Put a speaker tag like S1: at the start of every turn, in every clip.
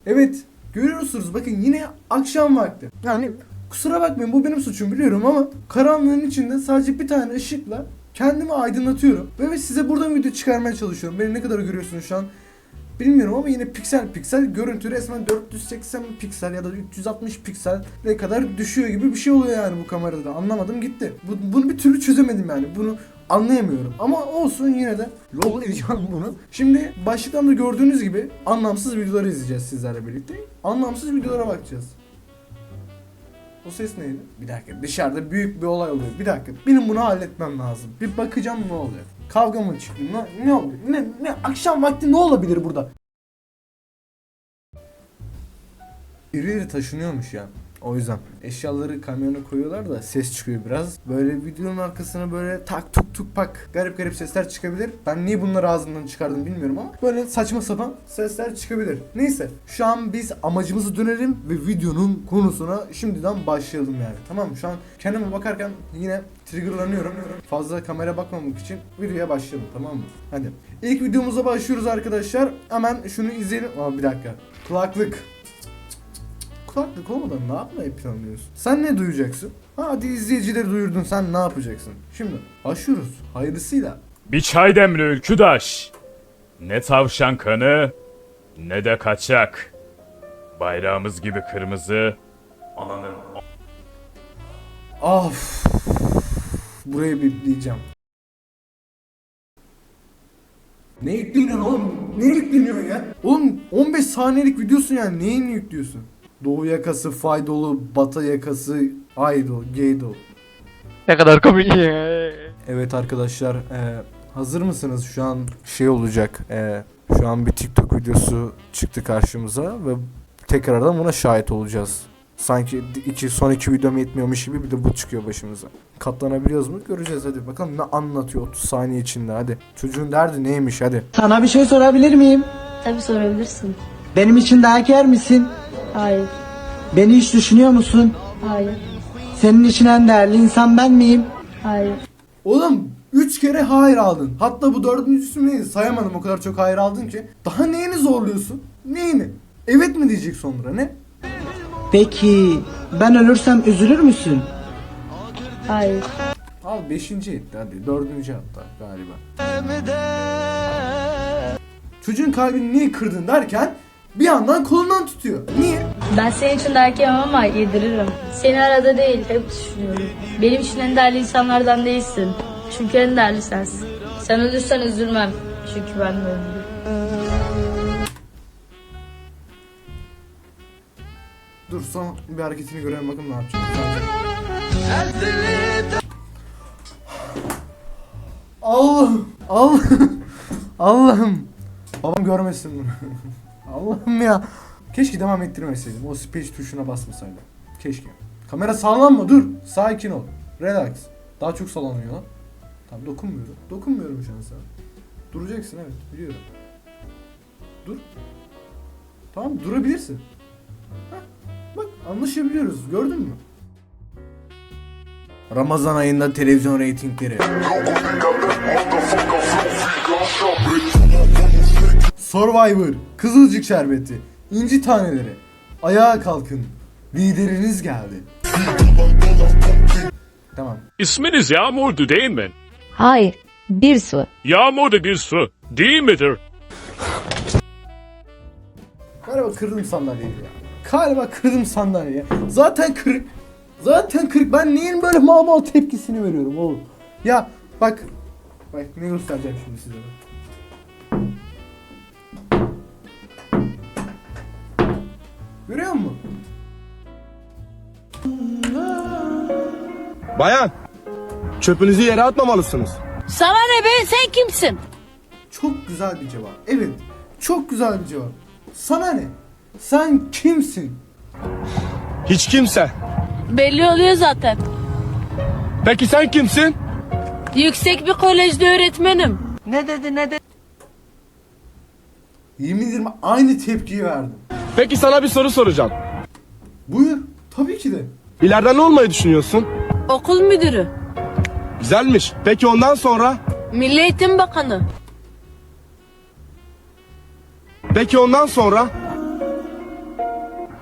S1: Evet, görüyorsunuz bakın yine akşam vakti. Yani kusura bakmayın bu benim suçum biliyorum ama karanlığın içinde sadece bir tane ışıkla kendimi aydınlatıyorum. Ve size buradan video çıkarmaya çalışıyorum. Beni ne kadar görüyorsunuz şu an bilmiyorum ama yine piksel piksel görüntü resmen 480 piksel ya da 360 piksele kadar düşüyor gibi bir şey oluyor yani bu kamerada. Anlamadım gitti. Bunu bir türlü çözemedim yani. Bunu anlayamıyorum. Ama olsun yine de lol edeceğim bunu. Şimdi başlıktan da gördüğünüz gibi anlamsız videoları izleyeceğiz sizlerle birlikte. Anlamsız videolara bakacağız. O ses neydi? Bir dakika dışarıda büyük bir olay oluyor. Bir dakika benim bunu halletmem lazım. Bir bakacağım ne oluyor. Kavga mı çıktı? Ne oluyor? Ne akşam vakti ne olabilir burada? Birileri taşınıyormuş ya. O yüzden eşyaları kamyona koyuyorlar da ses çıkıyor biraz. Böyle videonun arkasına böyle tak tuk tuk pak garip garip sesler çıkabilir. Ben niye bunları ağzımdan çıkardım bilmiyorum ama böyle saçma sapan sesler çıkabilir. Neyse şu an biz amacımızı dönelim ve videonun konusuna şimdiden başlayalım yani. Tamam mı? Şu an kendime bakarken yine triggerlanıyorum. Fazla kamera bakmamak için videoya başlayalım, tamam mı? Hadi. İlk videomuza başlıyoruz arkadaşlar. Hemen şunu izleyelim. Bir dakika. Kulaklık olmadan ne yapmayı planlıyorsun? Sen ne duyacaksın? Hadi izleyicileri duyurdun, sen ne yapacaksın? Şimdi başlıyoruz. Hayırlısıyla.
S2: Bir çay demli ülküdaş. Ne tavşan kanı ne de kaçak. Bayrağımız gibi kırmızı. Ananın.
S1: Of. Burayı bipleyeceğim. Ne yükleniyorsun oğlum? Ne yükleniyorsun ya? Oğlum 15 saniyelik videosun yani, neyini yüklüyorsun? Doğu yakası, Faydolu, Batı yakası, Aydo, Geydo.
S3: Ne kadar komik.
S1: Evet arkadaşlar, hazır mısınız? Şu an şey olacak. Şu an bir TikTok videosu çıktı karşımıza ve tekrardan buna şahit olacağız. Sanki son iki videom yetmiyormuş gibi bir de bu çıkıyor başımıza. Katlanabiliyoruz mu? Göreceğiz, hadi bakalım ne anlatıyor 30 saniye içinde, hadi. Çocuğun derdi neymiş, hadi.
S4: Sana bir şey sorabilir miyim?
S5: Tabii sorabilirsin.
S4: Benim için dayak yer misin?
S5: Hayır.
S4: Beni hiç düşünüyor musun?
S5: Hayır.
S4: Senin için en değerli insan ben miyim?
S5: Hayır.
S1: Oğlum 3 kere hayır aldın. Hatta bu dördüncüsü neydi? Sayamadım, o kadar çok hayır aldın ki. Daha neyini zorluyorsun? Neyini? Evet mi diyecek sonra, ne?
S4: Peki ben ölürsem üzülür müsün?
S5: Hayır.
S1: Al 5. etti hadi. 4. hatta galiba. Çocuğun kalbini niye kırdın derken bir yandan kolundan tutuyor. Niye?
S5: Ben senin için dayak yemem ama yediririm. Seni arada değil, hep düşünüyorum. Benim için en değerli insanlardan değilsin. Çünkü en değerli sensin. Sen ölürsen üzülmem. Çünkü ben de öldüm.
S1: Dur son bir hareketini görelim bakalım ne yapacak. Allah'ım. Allah'ım. Babam görmesin bunu. Allah'ım ya. Keşke devam ettirmeseydim. O speech tuşuna basmasaydım. Keşke. Kamera sallanma, dur. Sakin ol. Relax. Daha çok sallanıyor lan. Tamam dokunmuyorum. Dokunmuyorum şu an sana. Duracaksın, evet biliyorum. Dur. Tamam durabilirsin. Bak anlaşabiliyoruz, gördün mü? Ramazan ayında televizyon reytingleri. Survivor, Kızılcık Şerbeti, İnci Taneleri. Ayağa kalkın. Lideriniz geldi. Tamam.
S2: İsminiz Yağmur'du değil mi?
S6: Hayır, bir su.
S2: Yağmur da bir su değil midir?
S1: Galiba kırdım sandalyeyi ya. Galiba kırdım sandalyeyi. Zaten kırık. Zaten kırık. Ben neyin böyle mal tepkisini veriyorum oğlum. Ya bak. Bak ne göstereceğim şimdi size. Görüyor musun?
S7: Bayan, çöpünüzü yere atmamalısınız.
S5: Sana ne be? Sen kimsin?
S1: Çok güzel bir cevap. Evet. Çok güzel bir cevap. Sana ne? Sen kimsin?
S7: Hiç kimse.
S5: Belli oluyor zaten.
S7: Peki sen kimsin?
S5: Yüksek bir kolejde öğretmenim.
S1: Yemin ederim aynı tepkiyi verdim.
S7: Peki sana bir soru soracağım.
S1: Buyur. Tabii ki de.
S7: İleride ne olmayı düşünüyorsun?
S5: Okul müdürü.
S7: Güzelmiş. Peki ondan sonra?
S5: Milli Eğitim Bakanı.
S7: Peki ondan sonra?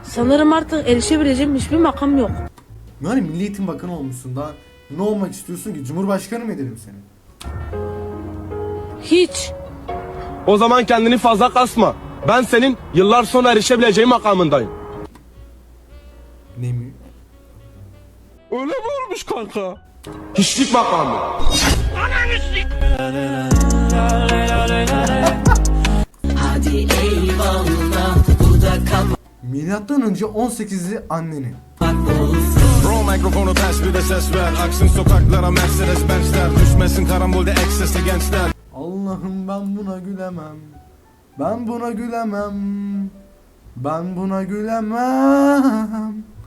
S8: Sanırım artık erişebileceğim hiçbir makam yok.
S1: Yani Milli Eğitim Bakanı olmuşsun, daha ne olmak istiyorsun ki? Cumhurbaşkanı mı edelim seni?
S8: Hiç.
S7: O zaman kendini fazla kasma. Ben senin yıllar sonra erişebileceğin makamındayım.
S1: Ne mi?
S7: Öyle mi olmuş kanka? Hiçlik makamı.
S1: Milattan önce 18'li annenin.
S9: Bro mikrofonu ters bir de ses ver. Aksın sokaklara Mercedes Benz'ler. Düşmesin karambolde eksesli gençler.
S1: Allah'ım ben buna gülemem. Ben buna gülemem. Ben buna gülemem.